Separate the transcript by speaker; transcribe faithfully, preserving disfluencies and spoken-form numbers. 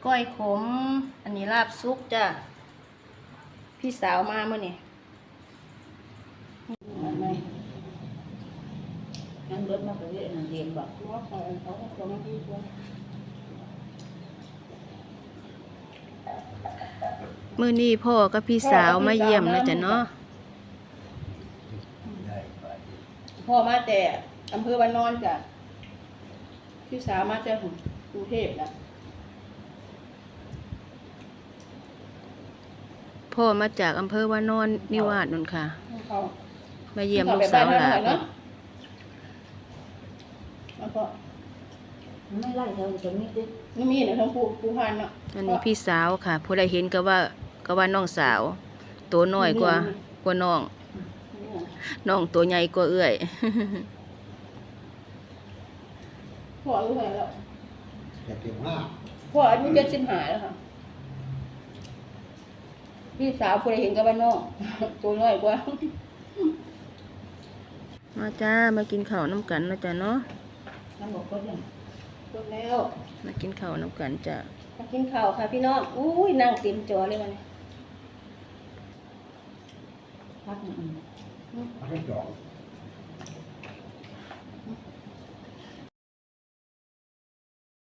Speaker 1: ก้อยขมอันนี้ลาบซุกจ้ะพี่สาวมาเมื่อนี่
Speaker 2: นั่งรถมาไปเรื่อยเรียนบอกว่าเขาเขาเขาไม่ดีกว่า
Speaker 1: มื้อนี้พ่อกับพี่สาวมาเยี่ยมนะจ๊ะเนาะพ่อมาแต่อำเภอบ้านนอนจ้ะพี่สาวมาแต่กรุงเทพนะพ่อมาจากอำเภอวานอนนิวาสนั่นค่ะมาเยี่ยมลูกสาวหลานแล้วก็
Speaker 2: ไม่ไล่เธอจะมีดิ
Speaker 1: นี่มีเนี่ยทั้งผู้ผู้พันเนาะอันนี้พี่สาวค่ะผู้ใดเห็นก็ว่าก็ว่าน้องสาวตัวน้อยกว่ากว่าน้องน้องตัวใหญ่กว่าเอื้อยพ่ออายุเท่าไหร่แล้ว
Speaker 3: เจ็ดสิบห้า
Speaker 1: พ่ออายุเจ็ดสิบห้าแล้วค่ะพี่สาวผู้ใดเห็นก็ว่าน้องตัวน้อยกว่ามาจ้ามากินข้าวน้ำกันนะจ๊ะเนาะ
Speaker 2: น้ำบอกก็ยัง
Speaker 1: จบแล้วมากินข้าวน้ำกันจ้ะมากินข้าวค่ะพี่น้องอุ้ยนั่งเต็มจอเลยวันนี้
Speaker 2: พักหนึ่ง
Speaker 3: พักให้สอง
Speaker 1: พ